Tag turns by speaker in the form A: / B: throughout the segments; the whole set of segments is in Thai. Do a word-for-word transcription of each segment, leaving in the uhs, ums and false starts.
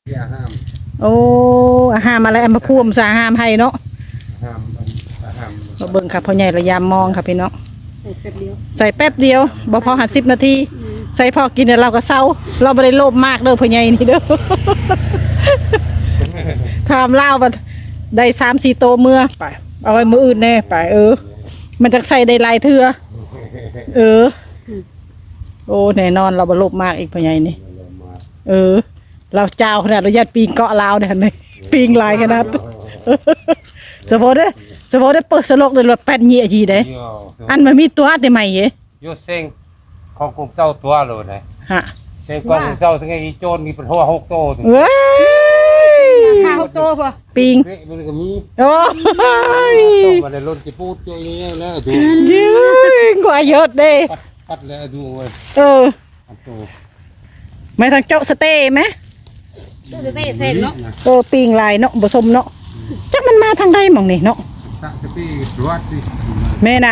A: อย่าห้าม
B: โอ้ห้ามอะไรมาพ่วมสาห้ามให้เนาะ
A: ห้ามห้าม
B: มาเบิ่งค่ะพ่อใหญ่ระยามมองค่ะพี่น้อง
C: ใส่แป๊บเดียว
B: ใส่แป๊บเดียวบ่พอหัดสิบนาทีใส่พอกินเราก็เศร้าเราไม่ได้โลภมากเด้อพ่อใหญ่นี่เด้อทำเล่าบัดได้สามสี่โตเมื่อไปเอาไว้มืออื่นแน่ไปเออมันจะใส่ได้หลายเทื่อเออโอ้แน่นอนเราบ่โลภมากอีกพ่อใหญ่นี่เออเราเจ้าขนาดเราญาติปีงเกาะลาวเนี่ยนี่ปีงลายขนาดสมมติเด้สมมติได้เปิดสลกเลยว่าแปดเหี้ยจีได้อันมันมีตัวได้ไหมเย
A: ยูเซ็งของกลุ่มเศร้าตัวเลยนะ
B: ฮะ
A: เซ็งกลุ่มเศร้าทั้งไอ้โจรมีเป็นหัวหกโต
B: เว้ย
C: ห้าหกตัวป่ะ
B: ปีง
A: มันก็มี
B: โอ้ย
A: ต้องมาในรถจะพูดเจอยังไงแล้วดู
B: ยืงกว่าเยอะเด้
A: ปัดแล้วดูเว้ย
B: เออไม่ทางเจาะสเต้ไหม
C: จะได้เส้นเนาะ
B: เออปีงลายเนาะผสมเนาะจักมันมาทางใดมั่งนี่เนาะ
A: ตักสตีรวดสิ
B: แม่น่ะ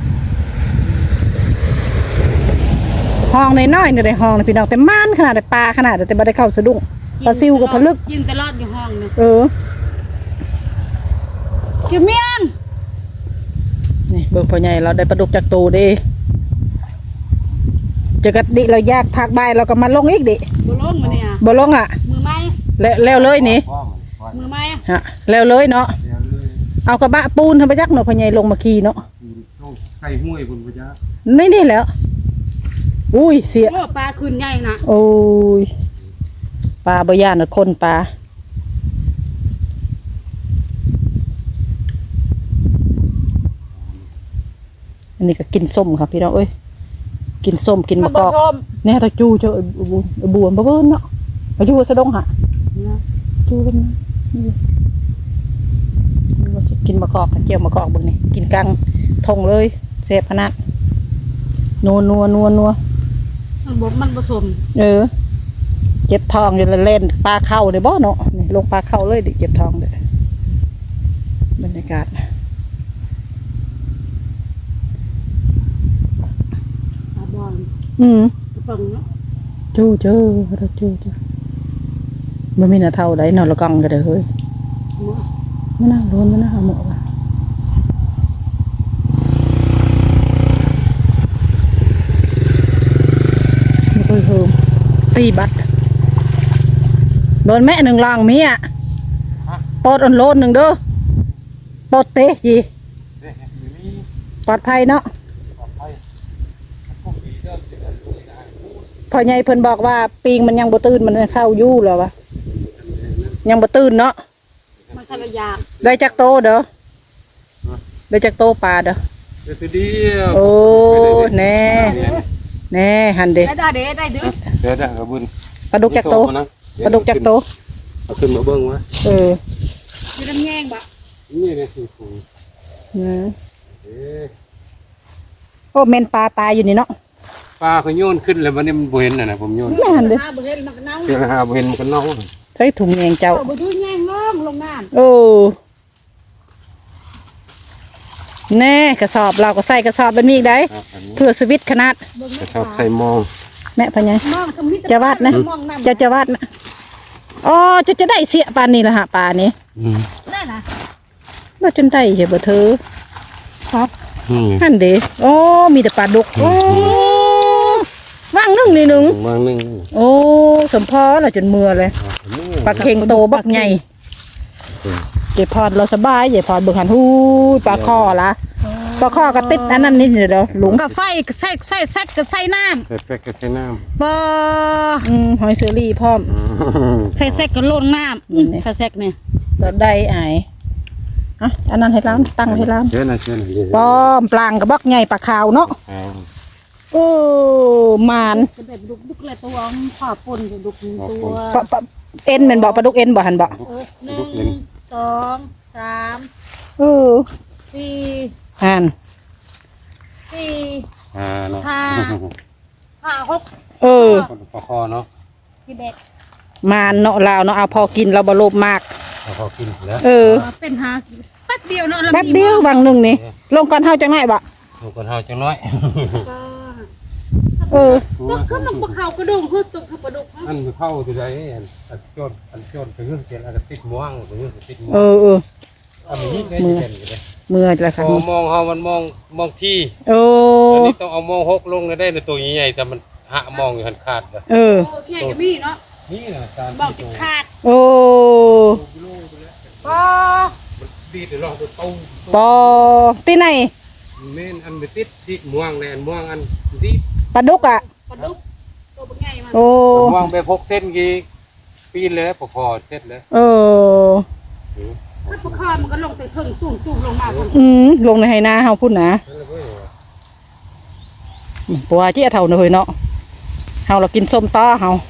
B: ห้องในน้อยในในห้องนะพี่น้องแต่ม่านขนาดแต่ปลาขนาดแต่บ่ได้เข้าสะดุ้งปลาซิวกับผลึก
C: ยินตลอดอยู่ห้องเนาะ
B: เออ
C: เกี่ยวเมียง
B: นี่เบิ่งพ่อใหญ่เราได้ปลาดุกจากตูเด้จะกระดิเราแยกพักใบเราก็มาลงอีกดิ
C: บ่ลงมาเนี่ย
B: บ่ลงอ่ะ
C: มือไม้
B: แล้วแล้วเลยนี่
C: มือไม้
B: ฮะแล้วเลยเนาะเอากระบะปูนทำไปยักเนาะพ่อใหญ่ลงมาขี่เนาะ
A: ไก่ห้วยบนพญา
B: ไม่ได้แล้วอุ้ยเสีย
C: โอ้ปลาขึ้นใหญ่นะ
B: โอ้ยปลาบ่ย่านน่ะคนปลาอันนี้ก็กินส้มครับพี่น้องเอ้ยกินส้มกินมะกอกเนี่ยตะจูเจ้าบัวบัวบัวเบิ้ลเนาะตะจูสะดงฮะจูเบิ้ลนะกินมะกอกกันเจียวมะกอกบึงนี่กินกังทงเลยเสพขนาดนัวนัวนัวนัว
C: มันบ่มันผสม
B: เออเจ็บท้องอยู่เล่นปลาเข้าเลยบ่เนาะนี่ลงปลาเข้าเลยดิเจ็บท้องเด้อบรรยากาศอืมจู้เจ้าเราจู้เจ้าไม่มีหน้าเท่าไดนอนละกังกันเลยเฮ้ยไม่น่าโดนไม่น่าหาหมอว่ะไม่ค่อยเฮิมตีบัดโดนแม่หนึ่งลองมีอ่ะปอดอันโลนหนึ่งเด้อปอดเตะจีปลอดภัยเนาะพอใหญ่เพิ่นบอกว่าปีงมันยังบ่ตื่นมันยังเศร้าอยู่เหรอวะยังบ่ตื่นเนาะ
C: มันทะเลยา
B: ได้จักโตเด้อได้จักโตปลาเด้อ
A: เดียว
B: โอ้แน่แน่หันเด้
C: ได้ได้ได้เด้อ
A: เดี๋ยวได้กระบุญ
B: ปลาดุกจักโตปลาดุกจักโต
A: เอาขึ้นมาเบิ้งวะ
B: เออ
C: จะน้ำแยงบ่
A: นี่เลยสิคุณ
B: อืมโอ้เมนปลาตายอยู่นี่เนาะ
A: ปลาเขาโยนขึ้นเลยวันนี้มันบ่เห็นน่ะนะผมโยน
B: ไม่หันเด้อ
C: บ่เห็นมันก็เน่า
A: เจอหาบ่เห็นมันก็เน่า
B: ใส่ถุงแยงเจ้า
C: บ่ดูแยงลงลงน้ำ
B: โอ้แน่กระสอบเราก็ใส่กระสอบแบบนี้ได้เพื่อสวิตขนาด
A: กระสอบใส่มอง
B: แม่พะไงจะวาดนะจะจะวาดนะอ๋อจะจะได้เสียปลานี่ละฮะปลานี้
C: ได้นะ
B: ว่าจนได้เหรอบ่เธอครับนั่นเด้โอ้มีแต่ปลาดุกโอ้ว่างนึ่งนี่หนึ่ง
A: ว่างนึ่ง
B: โอ้สมพอละจนเมื่อเลยปลาเค็งโตบักใหญ่เจ็บพอดเราสบายเจ็บพอดเบิ่งหันหูปลาคอละปลาคอกระติดอันนั้นนี่เด้อหลุง
C: กับไฟใส่ไฟซัดกับใส่น้ำ
A: ใส่ไฟกับใส่น้
C: ำบ่
B: อืมหอยเชอรี่พร้อม
C: ไฟแซกกับโล่นน้ำไฟแซกเนี่ย
B: เราได้ไอ้อ่ะอันนั้นให้ร้านตั้งให้ร้าน
A: เชื่อนะเชื่อนะ
B: ป้อมปลางกับบักใหญ่ปลาขาวเนาะโอ้มาน
C: ดุกดุกเลยตัวขอบปนดุกตัว
B: เอ็นมันบอกปลาดุกเอ็นบอกหันบอก
C: หนึ่งสองสาม
B: เออ
C: สี่
B: หัน
C: สี่
A: ห้า
C: ห้าห้าหก
B: เออ
A: ปลาคอเนาะ
C: ที่เด็ด
B: มานเนาะเราเนาะเอาพอกินเราบโลภมาก
A: พอกินแล้ว
B: เออ
C: เป็นหาแป๊บเดียวเนาะ
B: แป๊บเดียวบางหนึ่งนี่ลงก่อนเท่าจังไหนบ่
A: ลงก่อนเท่าจังน้อย
B: เออ
C: ก็คือมันปลาเขากระดูกคือตุกคือปลาดุก
A: อันเข้าตัวใดอันอันโจนอันโจนไปเรื่องเสร็จแล้วก็ติดม่วงไปเรื่องติดม่วง
B: เออเออ
A: อันนี้ได้เด่นเลย
B: เมื่อแล้วค่ะ
A: พอมองเฮามันมองมองที่
B: โอ้
A: อันนี้ต้องเอามองหกลงได้ในตัวใหญ่ๆแต่มันหามองอยู่หันขาดเลย
B: เออ
C: โอ้พี่ใหญ่ก็มีเนาะ
A: นี่นะการ
C: บอกติดขาด
B: โอ้
C: ปอ
A: มันดีเดี๋ยวลองตัวตู้
B: ปอที่ไหน
A: เม่นอันไปติดติดม่วงในอันม่วงอันดี
B: ปลาดุกอ่ะ
C: ปลาดุกตัวเป็นไงมัน
B: โอ้
A: ม่วงไปพกเส้นกี่ปีนเลยพอพอเสร็จเลย
B: เออ
C: ถ้าปลาคอมันก็ลงไปถึงตุ่มตุ่มลงมาพุ่น
B: อืมลงในไหนาเฮาพุ่นนะ
A: นั่นเลยเว้ย
B: ปัวเจี๊ยเท่าเนยเนาะเฮาเรากินส้มต้อเฮา